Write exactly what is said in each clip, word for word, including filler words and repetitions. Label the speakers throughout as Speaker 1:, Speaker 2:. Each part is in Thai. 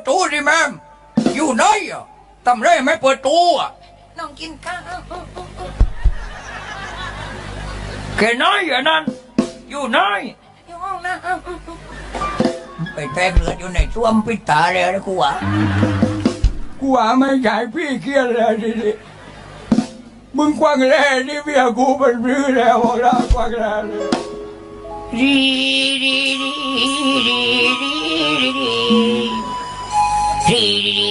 Speaker 1: ตูสิแม่อยู่ไหนอ่ะทำไรไม่เปิดตูอ่ะน้องกินข้าวแค่น้อยอย่างนั้นอยู่ไหนอยู่ห้องนะไปแทงเลือดอยู่ในช่วมปิดตาเลยนะกูอ่ะกูอ่ะไม่ใช่พี่เคียนเลยดิดิมึงกวางแร่นี่เมียกูเป็นรื้อแล้วบอกแล้วกวางแร่เลยดีดีดีดีดีดีดีดี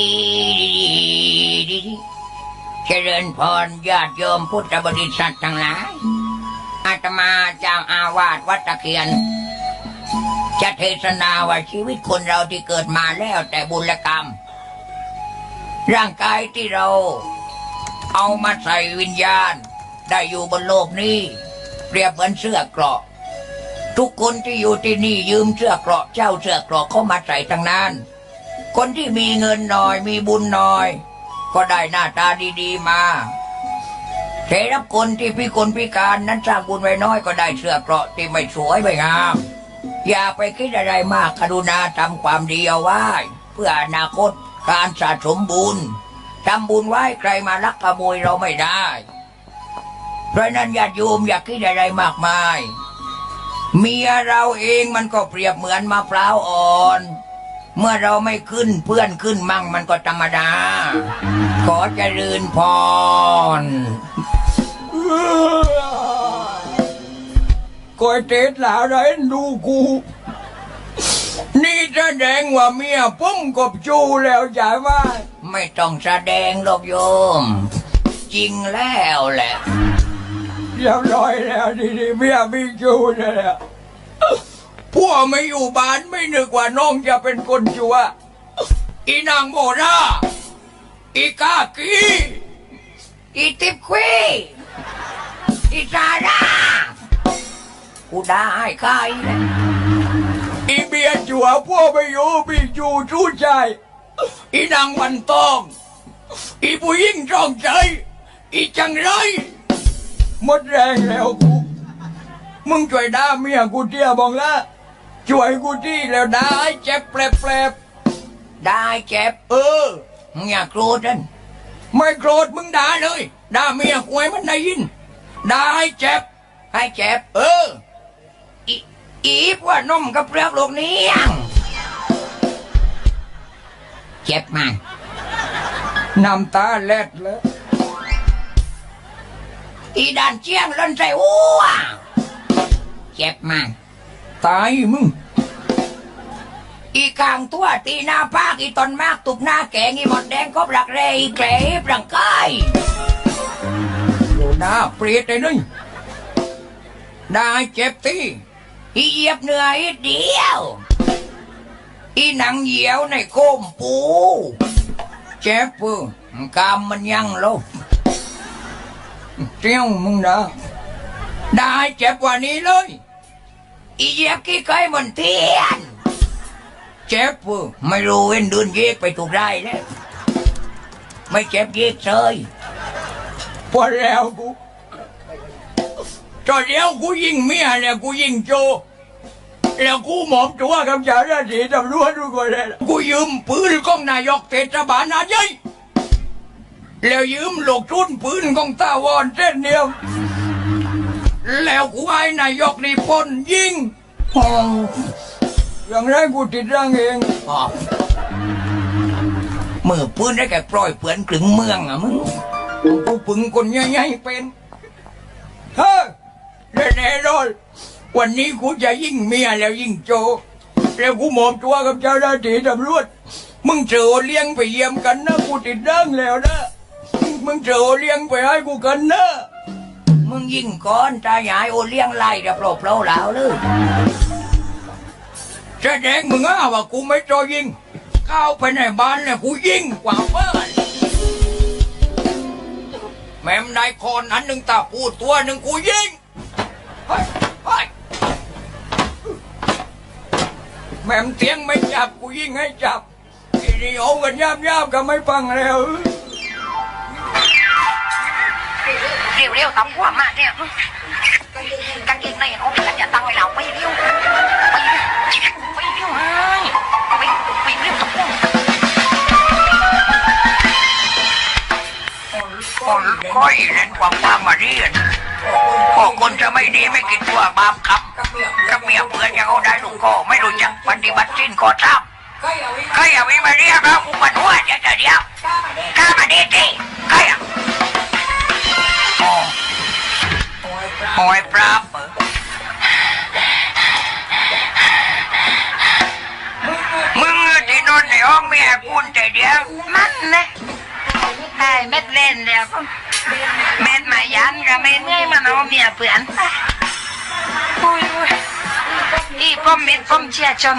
Speaker 1: ดีดีเจริญพรญาติโยมพุทธบริษัททั้งหลายอาตมาเจ้าอาวาสวัดตะเคียนจะเทศนาว่าชีวิตคนเราที่เกิดมาแล้วแต่บุญและกรรมร่างกายที่เราเอามาใส่วิญญาณได้อยู่บนโลกนี้เปรียบเหมือนเสื้อเกราะทุกคนที่อยู่ที่นี่ยืมเสื้อเกราะเจ้าเสื้อเกราะเข้ามาใส่ทั้งนั้นคนที่มีเงินน้อยมีบุญน้อยก็ได้หน้าตาดีๆมาแต่รับคนที่พิกลพิการนั้นสร้างบุญไว้น้อยก็ได้เสื้อเกราะที่ไม่สวยไม่งามอย่าไปคิดอะไรมากกรุณาทำความดีเอาไว้เพื่ออนาคตการสะสมบุญทำบุญไว้ใครมาลักขโมยเราไม่ได้เพราะนั้นญาติโยมอย่าคิดอะไรมากมายเมียเราเองมันก็เปรียบเหมือนมะพร้าวอ่อนเมื่อเราไม่ขึ้นเพื่อนขึ้นมั่งมันก็ธรรมดาขอเจริญพรกอยเตดหลาไรดูกูนี่แสดงว่าเมียผมกบจูแล้วใช่ไหมไม่ต้องแสดงหรอกโยมจริงแล้วแหละเรียบร้อยแล้วดีๆเมียมีจูแล้วพวกไม่อยู่บ้านไม่นึกว่าน้องจะเป็นคนชั่วอีนางโมราอีกากีอีติบควีอีซาร่ากูได้ใครเลยอีเบียจัวพวกไม่อยู่มีจูชู้ใจอีนางวันตองอีผู้หญิงจองใจอีจังไรหมดแรงแล้วกูมึงช่วยด่าเมียกูเตี้ยบอกละช่วยกูที่แล้วได้เจ็บแปลบๆได้เจ็บเออมึงอย่าโกรธนั่นไม่โกรธมึงด่าเลยด่าเมียกูให้มันได้ยินได้เจ็บให้เจ็บเอออีอีพว่านมกับเปลือกโลกนี้เจ็บมันน้ำตาเล็ดเลยอีด่านเจียงเล่นใจอ้วเจ็บมันตายมึงอีกลางตัวตีหน้าภาคอีตอนมากตุบหน้าแกงอีหมดแดงก็ปลักเรอีแกลบร่างกายโดนหน้าเปรียดเลยนึงได้เจ็บตีอีเหยียบเหนื่อยเดียวอีหนังเหี่ยวในโคมปูเจ็บปืนกามมันยังลบเจ้ามึงนะได้เจ็บกว่านี้เลยอีเหยียบกี่ไก่บนเทียนเจ็บปืนไม่รู้เว้นเดินเยกไปถูกได้แล้วไม่เจ็บเยกเลยพอแล้วกูตอนเดียวกูยิงเมียเนี่ยกูยิงโจแล้วกูหมอบตัวกับเจ้าหน้าที่ตำรวจทุกคนเลยกูยืมปืนของนายกเทศบาลนาใหญ่แล้วยืมลูกทุนปืนของตาวอนเส้นเดียวแล้วกูให้นายกนี่พ่นยิงห้องอย่างไรกูติดร่างเองมือปืนได้แก่ปล่อยเปื่อนกลึงเมืองอ่ะมึงกูปึงคนใหญ่ๆเป็นเฮ้ยแน่นอนวันนี้กูจะยิงเมียแล้วยิงโจแล้วกูหมอบตัวกับเจ้าหน้าที่ตำรวจมึงเจอเลี้ยงไปเยี่ยมกันนะกูติดร่างแล้วนะมึงเจอเลี้ยงไปให้กูกันนะมึงยิงก่อนตาใหญ่โอเลี้ยงไล่เดี๋ยวโปรเปล่าแล้วเลยแสดงมึงอ่ะว่ากูไม่จอยิงเข้าไปในบ้านเนี่ยกูยิงกว่าเพื่อนแม่มนายคนนั้นหนึ่งตาพูดตัวหนึ่งกูยิงเฮ้ยเฮ้ยแม่มเตียงไม่จับกูยิงให้จับทีนี้โอ้กันยาบยาบก็ไม่ฟังแล้วเร็วเร็วตั้งหัวมาเนี่ยกางเกงในเขาเป็นอย่าตั้งไว้เราไม่เร็วไปไปเร็วไปไปเร็วตั้งหัวร้อยเล่นความความมาเรียนพอคนจะไม่ดีไม่กินตัวบาปครับกับเมียเพื่อนจะเขาได้ลูกก็ไม่รู้จักปฏิบัติสิ้นก่อทำใครอย่าไปมาเรียกเราอุปนหัวจะจะเดียวข้ามาดีดีใครอ่ะโอ้โอ้ยปราบมึงที่นอนในห้องเมียกูแต่เดียวมันนะไอ้เม็ดเล่นเดียวเม็ดมายันกับเม็ดเงยมันเอาเมียเปลี่ยนอุ้ยอีป้อมเม็ดป้อมเชียจน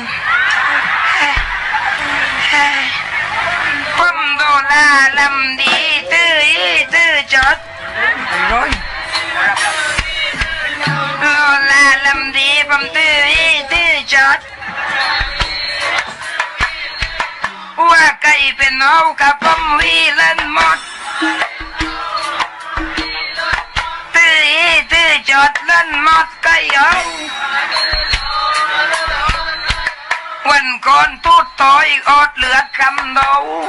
Speaker 1: ป้อมโดลาลำดีตื้อตื้อจดร้อยโดลาลำดีป้อมตื้อตื้อจดว่าไก่เป็นเอากับป้อมวีเล่นหมดตื้อตื้อจดเล่นหมดไก่เอาวันก่อนทูดต่อยอดเลือดคำเดา